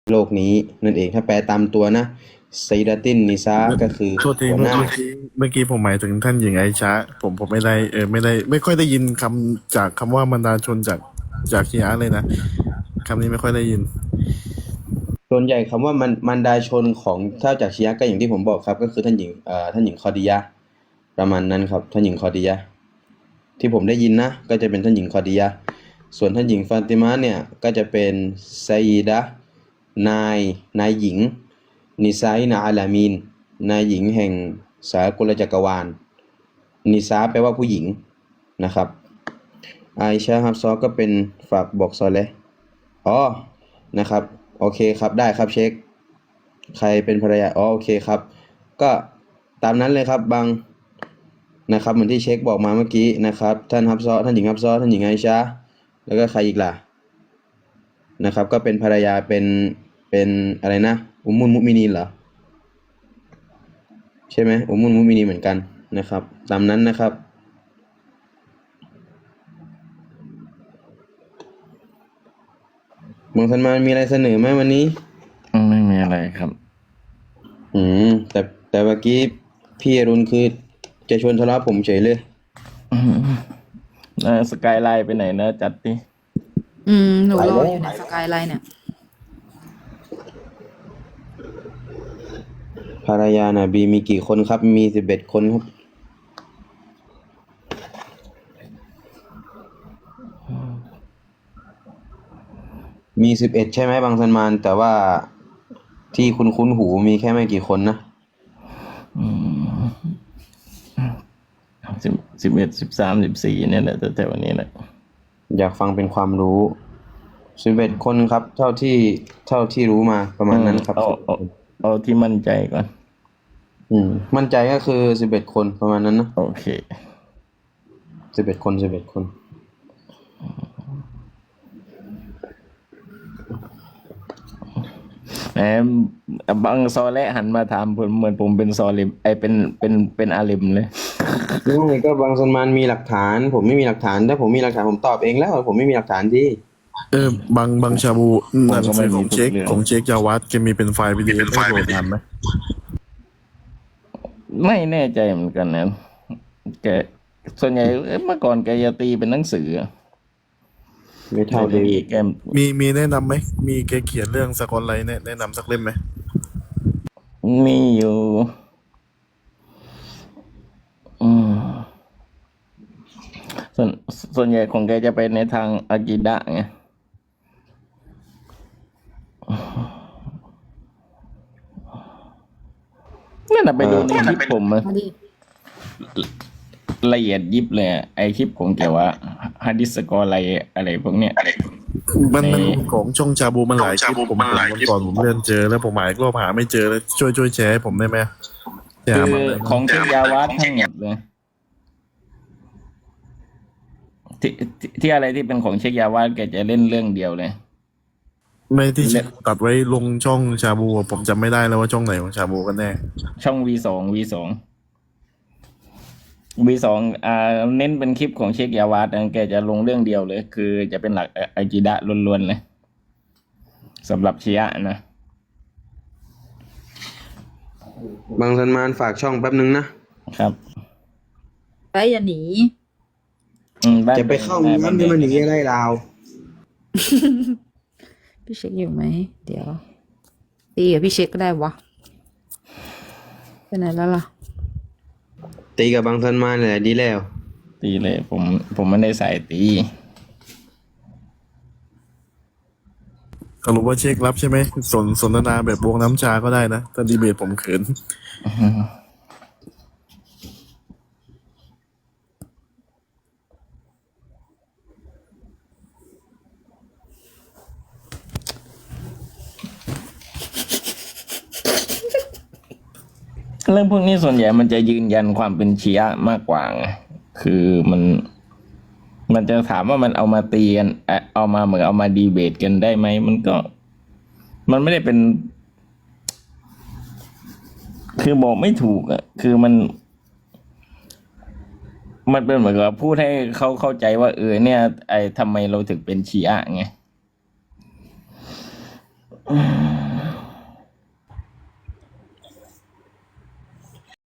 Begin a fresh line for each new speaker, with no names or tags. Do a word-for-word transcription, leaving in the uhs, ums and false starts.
โลกนี้นั่นเองถ้าแปลตามตัวนะไซดาตินนิซาก็คือ
โทษที
หัวหน้า
เมื่อเมื่อกี้เมื่อกี้ผมหมายถึงท่านหญิงไอชะผมผมไม่ได้เออไม่ได้ไม่ค่อยได้ยินคำจากคำว่าบรรดาชนจากจากชีอะห์เลยนะคำนี้ไม่ค่อยได้ยิน
ส่วนใหญ่คำว่ามันมันดาชนของถ้าจากชีอะห์ก็อย่างที่ผมบอกครับก็คือท่านหญิงเอ่อท่านหญิงคอดียะห์ประมาณนั้นครับท่านหญิงคอดียะห์ที่ผมได้ยินนะก็จะเป็นท่านหญิงคอดียะห์ส่วนท่านหญิงฟาติมาเนี่ยก็จะเป็นไซยิดะห์นายนายหญิงนิซาอินะอาลามีนนายหญิงแห่งสากลจักรวาลนิซาแปลว่าผู้หญิงนะครับไอชาฮับซอก็เป็นฝากบอกซอเลห์อ๋อนะครับโอเคครับได้ครับเช็คใครเป็นภรรยาอ๋อโอเคครับก็ตามนั้นเลยครับบางนะครับเหมือนที่เช็คบอกมาเมื่อกี้นะครับท่านฮับซอท่านหญิงฮับซอท่านหญิงไอชาแล้วก็ใครอีกล่ะนะครับก็เป็นภรรยาเป็นเป็นอะไรนะอุมมุลมุมินีนเหรอใช่ไหมอุมมุลมุมินีนเหมือนกันนะครับตามนั้นนะครับบางท่านมามีอะไรเสนอไหมวันนี้
ไม่มีอะไรครับ
อืมแต่แต่เมื่อกี้พี่อรุณคือจะชวนทะเลาะผมเฉยเลย
สกายไลน์ไปไหนนะจัดดิ
อืมหนูรออยู่ในสกายไลน์เนี่ย
ภรรยานาบีมีกี่คนครับมีสิบเอ็ดคนครับมีสิบเอ็ดใช่ไหมบางซันมานแต่ว่าที่คุณคุ้นหูมีแค่ไม่กี่คนนะ
สิบสิบเอ็ดสิบสามสิบสี่เนี่ยแหละแต่แต่วันนี้แหละ
อยากฟังเป็นความรู้สิบเอ็ดคนครับเท่าที่เท่าที่รู้มาประมาณนั้นครับ
เอาเอาเอาที่มั่นใจก่อน
อืมมั่นใจก็คือสิบเอ็ดคนประมาณนั้นนะ
โอเค
สิบเอ็ดคนสิบเอ็ดคน
แหมบางซอและหันมาถามผมเหมือนผมเป็นซอลิมไอเป็นเป็นเป็นอาลิมเลย
นี่ก็บางซันมานมีหลักฐานผมไม่มีหลักฐานถ้าผมมีหลักฐานผมตอบเองแล้วผมไม่มีหลักฐานที่
เออบางบางชาบูหนังสือของเช็คของเช็คยาวัดจะมีเป็นไฟล์วิดีโอให้โหลดทันไหม
ไม่แน่ใจเหมือนกันนะแกส่วนใหญ่เมื่อก่อนแกจะตีเป็นหนังสือ
ไม่เท่าเดวิด
แก
มีมีแนะนำไหมมีแกเขียนเรื่องสกอตไลท์แนะแนะนำสักเล่มไหม
มีอยู่อืมส่วนส่วนใหญ่ของแกจะไปในทางอากิดะไงนั่นน่ะไปดูในคลิปผมอะละเอียดยิบเลยไอคลิปผมเกี่ยวว่าฮะดิษสกอร์อะไรอะไรพวกเนี้ย
มันมันของช่องชาบูมันหลายคลิปผมผมวันก่อนผมเลื่อนเจอแล้วผมหมายก็หาไม่เจอแล้วช่วยช่วยแชร์ให้ผมได้ไหม
คือของเชคยาวัดทั้งหมดเลยที่ที่อะไรที่เป็นของเชคยาวัดแกจะเล่นเรื่องเดียวเลย
ไม่ที่ตัดไว้ลงช่องชาบูผมจำไม่ได้แล้วว่าช่องไหนของชาบูกันแน่
ช่อง วี สอง วี สอง วี สองอ่าเน้นเป็นคลิปของเชคยาวัดแกจะลงเรื่องเดียวเลยคือจะเป็นหลักอากิดะล้วนๆเลยสำหรับชีอะห์นะ
บางซันมานฝากช่องแป๊บนึงนะครับ
ไปอย่าหนี
จะไปเข้าน้ำที่มันหนีอะไรราว
พี่เช็คอยู่ไหมเดี๋ยวตีกับพี่เช็คก็ได้วะไปไหนแล้วล่ะ
ตีกับบางซันมานแหละดีแล้ว
ตีเลยผมผมไม่ได้ใส่ตี
สรุปว่าเช็ครับใช่ไหมสนสนทนาแบบวงน้ำชาก็ได้นะถ้าดีเบตผมเขิน
เรื่องพวกนี้ส่วนใหญ่มันจะยืนยันความเป็นชีอะห์มากกว่าไงคือมันมันจะถามว่ามันเอามาตีกันเอามาเหมือนเอามาดีเบตกันได้ไหมมันก็มันไม่ได้เป็นคือบอกไม่ถูกอ่ะคือมันมันเป็นเหมือนกับพูดให้เขาเข้าใจว่าเออเนี่ยไอ้ทำไมเราถึงเป็นชีอะห์ไง